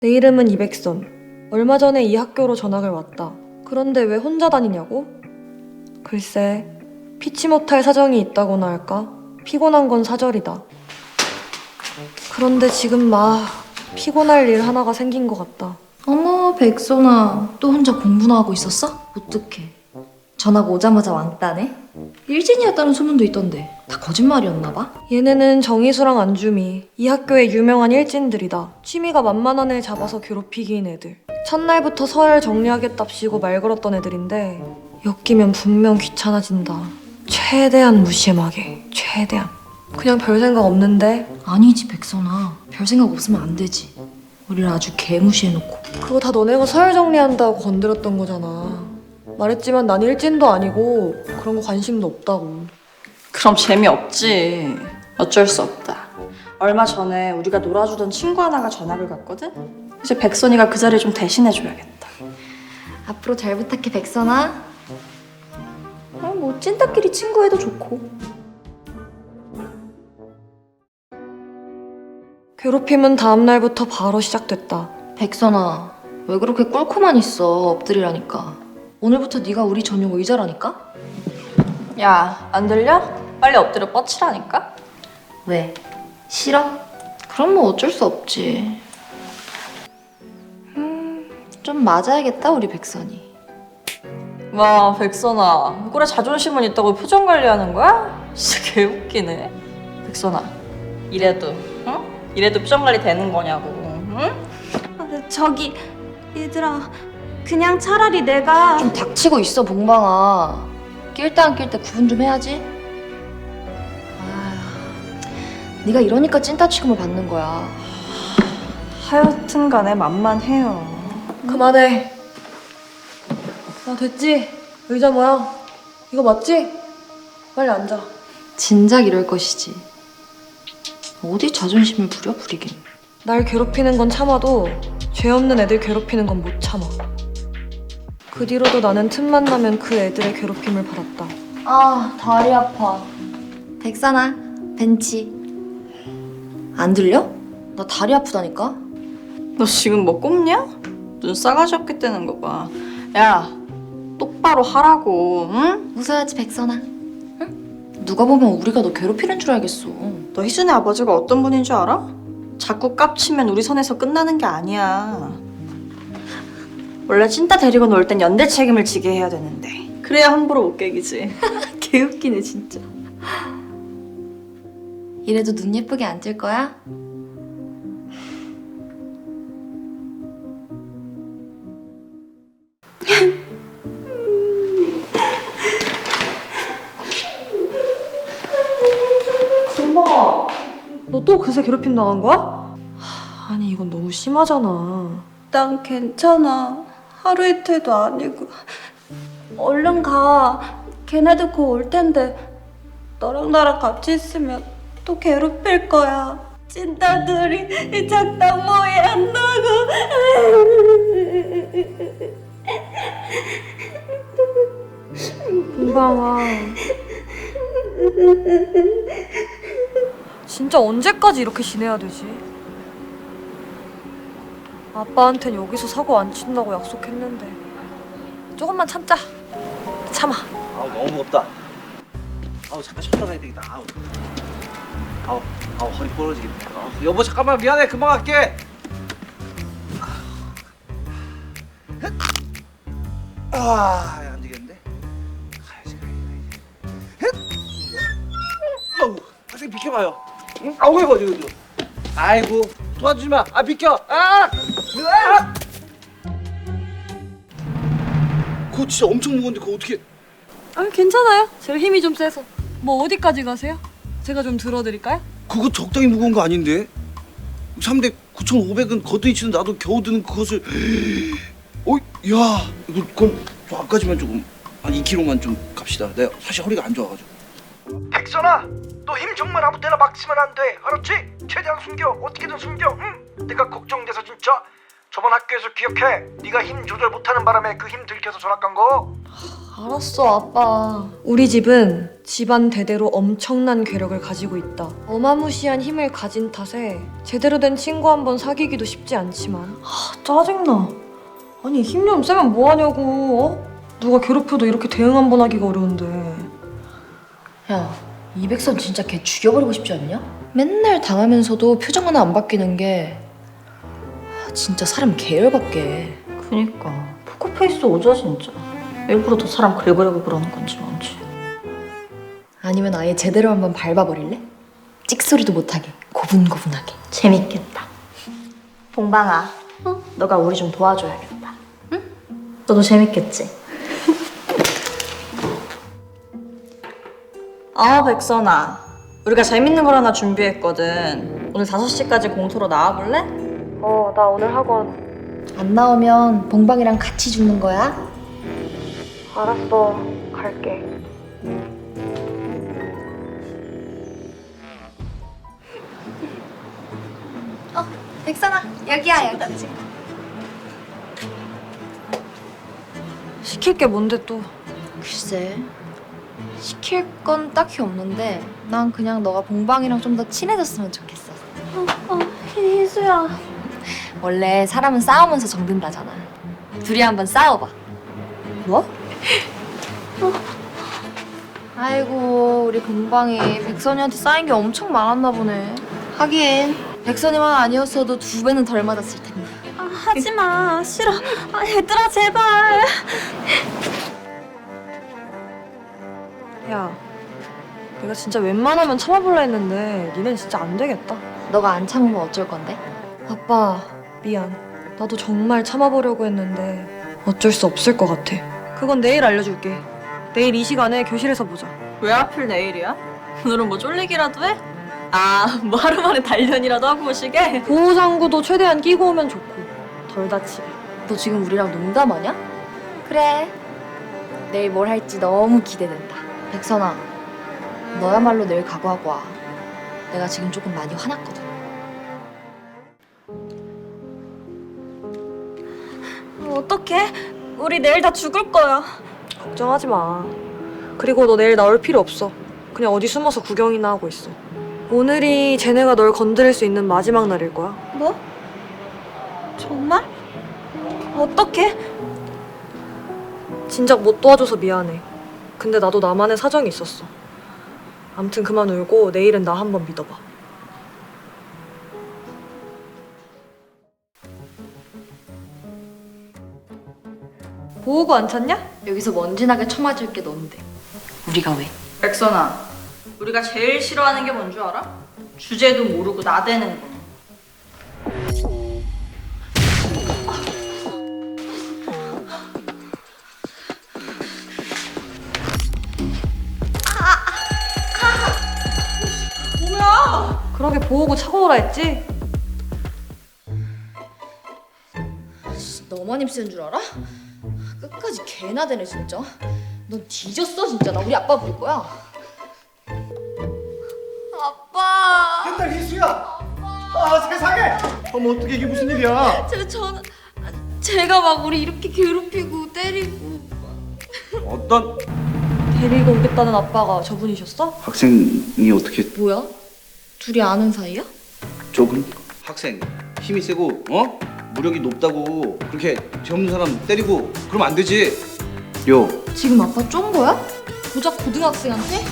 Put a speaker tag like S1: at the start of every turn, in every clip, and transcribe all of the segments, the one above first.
S1: 내 이름은 이백선. 얼마 전에 이 학교로 전학을 왔다. 그런데 왜 혼자 다니냐고? 글쎄, 피치 못할 사정이 있다고나 할까? 피곤한 건 사절이다. 그런데 지금 막 피곤할 일 하나가 생긴 것 같다.
S2: 어머, 백선아. 또 혼자 공부나 하고 있었어? 어떡해. 전화가 오자마자 왕따네? 일진이었다는 소문도 있던데 다 거짓말이었나 봐?
S1: 얘네는 정희수랑 안주미, 이 학교의 유명한 일진들이다. 취미가 만만한 애 잡아서 괴롭히기인 애들. 첫날부터 서열 정리하겠답시고 말 걸었던 애들인데 엮이면 분명 귀찮아진다. 최대한 무심하게, 최대한. 그냥 별 생각 없는데
S2: 아니지, 백선아. 별 생각 없으면 안 되지. 우리를 아주 개무시해놓고.
S1: 그거 다 너네가 서열 정리한다고 건드렸던 거잖아. 말했지만 난 일진도 아니고 그런 거 관심도 없다고.
S3: 그럼 재미없지. 어쩔 수 없다. 얼마 전에 우리가 놀아주던 친구 하나가 전학을 갔거든? 이제 백선이가 그 자리 좀 대신해줘야겠다.
S2: 앞으로 잘 부탁해, 백선아. 뭐 찐따끼리 친구해도 좋고.
S1: 괴롭힘은 다음날부터 바로 시작됐다.
S2: 백선아, 왜 그렇게 꿀코만 있어? 엎드리라니까. 오늘부터 네가 우리 전용 의자라니까?
S3: 야, 안 들려? 빨리 엎드려 뻗치라니까?
S2: 왜? 싫어? 그럼 뭐 어쩔 수 없지. 좀 맞아야겠다, 우리 백선이.
S3: 와, 백선아. 꼴에 자존심은 있다고 표정 관리하는 거야? 진짜 개웃기네. 백선아, 이래도, 응? 이래도 표정 관리 되는 거냐고, 응?
S4: 저기 얘들아, 그냥 차라리 내가
S2: 좀 닥치고 있어, 봉방아. 낄 때 안 낄 때 구분 좀 해야지. 아휴, 네가 이러니까 찐따 취급을 받는 거야.
S3: 하여튼 간에 만만해요.
S1: 그만해. 나 됐지? 의자 모양. 이거 맞지? 빨리 앉아.
S2: 진작 이럴 것이지. 어디 자존심을 부리긴.
S1: 날 괴롭히는 건 참아도 죄 없는 애들 괴롭히는 건 못 참아. 그 뒤로도 나는 틈만 나면 그 애들의 괴롭힘을 받았다.
S2: 아, 다리 아파. 백선아, 벤치. 안 들려? 나 다리 아프다니까?
S3: 너 지금 뭐 꼽냐? 눈 싸가지 없게 뜨는 거 봐. 야, 똑바로 하라고, 응?
S2: 웃어야지, 백선아. 응? 누가 보면 우리가 너 괴롭히는 줄 알겠어.
S3: 너 희준의 아버지가 어떤 분인 줄 알아? 자꾸 깝치면 우리 선에서 끝나는 게 아니야. 원래 찐따 데리고 놀 땐 연대 책임을 지게 해야 되는데 그래야 함부로 못 깨기지. 개웃기네 진짜.
S2: 이래도 눈 예쁘게 안 뜰 거야?
S1: 금방아, 너 또 그새 괴롭힘 당한 거야? 아니 이건 너무 심하잖아.
S4: 난 괜찮아. 하루 이틀도 아니고. 얼른 가. 걔네들 곧 올 텐데 너랑 나랑 같이 있으면 또 괴롭힐 거야. 찐따들이 이 작당 모의 한다고.
S1: 금방아. 진짜 언제까지 이렇게 지내야 되지? 아빠한텐 여기서 사고 안 친다고 약속했는데 조금만 참자. 참아.
S5: 아우 너무 무겁다. 아우 잠깐 쉬었다 가야 되겠다. 아우 허리 부러지겠네. 여보 잠깐만 미안해 금방 갈게. 안 되겠는데. 가야지. 아우 학생 비켜봐요. 응? 아우 이거. 아이고 도와주지 마. 아 비켜. 그거 진짜 엄청 무거운데 그거 어떻게?
S1: 아 괜찮아요. 제가 힘이 좀 세서. 뭐 어디까지 가세요? 제가 좀 들어드릴까요?
S5: 그거 적당히 무거운 거 아닌데? 3대 9,500은 거뜬히 치는 나도 겨우 드는 그것을 야 이거 그럼 좀 앞까지만 조금 한 2kg만 좀 갑시다. 내가 사실 허리가 안 좋아가지고. 백선아, 너 힘 정말 아무 때나 막 쓰면 안 돼. 알았지? 최대한 숨겨. 어떻게든 숨겨. 응? 내가 걱정돼서 진짜.
S6: 저번 학교에서 기억해? 네가 힘 조절 못하는 바람에 그 힘 들켜서 전학 간 거?
S2: 알았어, 아빠.
S1: 우리 집은 집안 대대로 엄청난 괴력을 가지고 있다. 어마무시한 힘을 가진 탓에 제대로 된 친구 한 번 사귀기도 쉽지 않지만 짜증나. 아니 힘 좀 세면 뭐하냐고. 누가 괴롭혀도 이렇게 대응 한 번 하기가 어려운데.
S2: 야, 이백선 진짜 걔 죽여버리고 싶지 않냐? 맨날 당하면서도 표정 하나 안 바뀌는 게 진짜 사람 개열받게.
S3: 그니까 포커페이스 오죠 진짜. 일부러 더 사람 긁으려고 그러는 건지 뭔지.
S2: 아니면 아예 제대로 한번 밟아버릴래? 찍소리도 못하게 고분고분하게.
S3: 재밌겠다. 봉방아, 너가 우리 좀 도와줘야겠다. 응? 너도 재밌겠지? 백선아. 우리가 재밌는 걸 하나 준비했거든. 오늘 5시까지 공터로 나와볼래?
S1: 나 오늘 학원.
S2: 안 나오면 봉방이랑 같이 죽는 거야?
S1: 알았어. 갈게.
S2: 백선아, 여기야 여기.
S1: 시킬 게 뭔데 또.
S2: 글쎄, 시킬 건 딱히 없는데 난 그냥 너가 봉방이랑 좀 더 친해졌으면 좋겠어.
S4: 희수야.
S2: 원래 사람은 싸우면서 정든다잖아. 둘이 한번 싸워봐. 뭐? 아이고, 우리 봉방이 백선이한테 쌓인 게 엄청 많았나 보네. 하긴 백선이만 아니었어도 2배는 덜 맞았을 텐데.
S4: 하지마. 싫어. 얘들아 제발.
S1: 야, 내가 진짜 웬만하면 참아볼라 했는데 니넨 진짜 안 되겠다.
S2: 너가 안 참으면 어쩔 건데?
S1: 아빠, 미안. 나도 정말 참아보려고 했는데 어쩔 수 없을 것 같아. 그건 내일 알려줄게. 내일 이 시간에 교실에서 보자.
S3: 왜 하필 내일이야? 오늘은 뭐 쫄리기라도 해? 뭐 하루 만에 단련이라도 하고 오시게?
S1: 보호장구도 최대한 끼고 오면 좋고 덜 다치게.
S2: 너 지금 우리랑 농담하냐? 그래. 내일 뭘 할지 너무 기대된다. 백선아, 너야말로 내일 각오하고 와. 내가 지금 조금 많이 화났거든.
S4: 어떡해? 우리 내일 다 죽을 거야.
S1: 걱정하지 마. 그리고 너 내일 나올 필요 없어. 그냥 어디 숨어서 구경이나 하고 있어. 오늘이 쟤네가 널 건드릴 수 있는 마지막 날일 거야.
S4: 뭐? 정말? 어떡해?
S1: 진작 못 도와줘서 미안해. 근데 나도 나만의 사정이 있었어. 암튼 그만 울고 내일은 나 한번 믿어봐. 보호구 안 찾냐?
S2: 여기서 먼지나게 쳐맞을 게 넌데. 우리가 왜?
S3: 백선아, 우리가 제일 싫어하는 게 뭔 줄 알아? 주제도 모르고 나대는 거.
S1: 그러게 보호구 차고 오라 했지?
S2: 너만 힘쓰는 줄 알아? 끝까지 개나 되네 진짜. 넌 뒤졌어 진짜. 나 우리 아빠 부를 거야. 아빠.
S5: 옛날 희수야. 세상에. 어머 어떻게 이게 무슨 일이야?
S2: 저는 제가 막 우리 이렇게 괴롭히고 때리고.
S5: 어떤
S1: 데리고 오겠다는 아빠가 저분이셨어?
S5: 학생이 어떻게
S2: 뭐야? 둘이 아는 사이야?
S5: 조금 학생 힘이 세고 무력이 높다고 그렇게 죄 없는 사람 때리고 그러면 안 되지. 요
S2: 지금 아빠 쫀 거야? 고작 고등학생한테?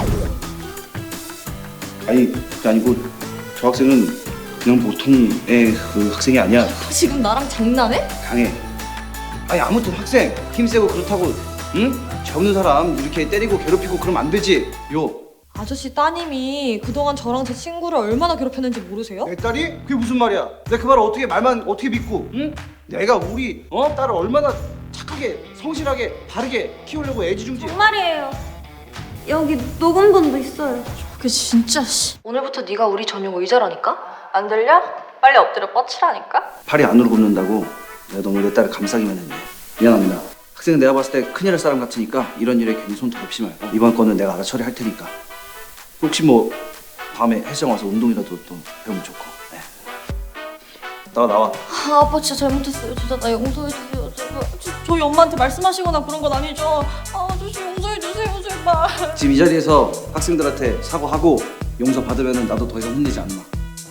S5: 아니 그게 아니고 저 학생은 그냥 보통의 그 학생이 아니야.
S2: 지금 나랑 장난해?
S5: 강해. 아니 아무튼 학생 힘 세고 그렇다고 죄 없는 사람 이렇게 때리고 괴롭히고 그러면 안 되지. 요
S1: 아저씨 따님이 그동안 저랑 제 친구를 얼마나 괴롭혔는지 모르세요?
S5: 내 딸이? 그게 무슨 말이야? 내가 그 말을 어떻게 말만 어떻게 믿고? 응? 내가 우리 딸을 얼마나 착하게 성실하게 바르게 키우려고 애지중지.
S4: 정말이에요. 여기 녹음본도 있어요.
S2: 그게 진짜 씨. 오늘부터 네가 우리 전용 의자라니까?
S3: 안 들려? 빨리 엎드려 뻗치라니까?
S5: 팔이 안으로 굽는다고 내가 너무 내 딸을 감싸기만 했네. 미안합니다. 학생은 내가 봤을 때 큰일 날 사람 같으니까 이런 일에 괜히 손 더럽히지 말고 이번 건은 내가 알아 처리할 테니까 혹시 뭐 다음에 헬스장 와서 운동이라도 또 배우면 좋고. 네. 나와.
S2: 아, 아빠 진짜 잘못했어요. 진짜 나 용서해주세요. 제발.
S3: 저희 엄마한테 말씀하시거나 그런 건 아니죠? 아저씨 용서해주세요 제발.
S5: 지금 이 자리에서 학생들한테 사과하고 용서 받으면 나도 더 이상 혼내지 않나.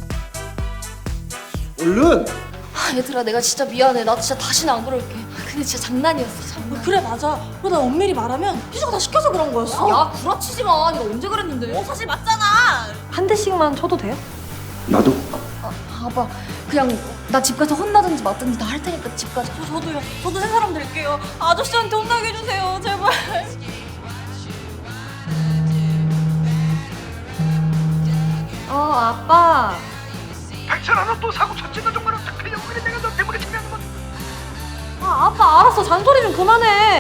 S5: 얼른.
S2: 아, 얘들아, 내가 진짜 미안해. 나 진짜 다시는 안 그럴게. 근데 진짜 장난이었어. 장난.
S3: 그래 맞아. 그러다 엄밀히 말하면 희주가 다 시켜서 그런 거였어.
S2: 야, 구라치지 마. 네가 언제 그랬는데?
S3: 사실 맞잖아.
S1: 한 대씩만 쳐도 돼요?
S5: 나도.
S2: 아빠, 그냥 나 집 가서 혼나든지 맞든지 다 할 테니까 집 가자.
S3: 저도요. 저도 새 사람 될게요. 아저씨한테 혼나게 해주세요 제발.
S1: 아빠.
S6: 백천아 너 또 사고 쳤지? 너 정말 어떡하려고 그래? 내가 너 때문에 챙겨하는 건
S1: 아빠 알았어. 잔소리 좀 그만해.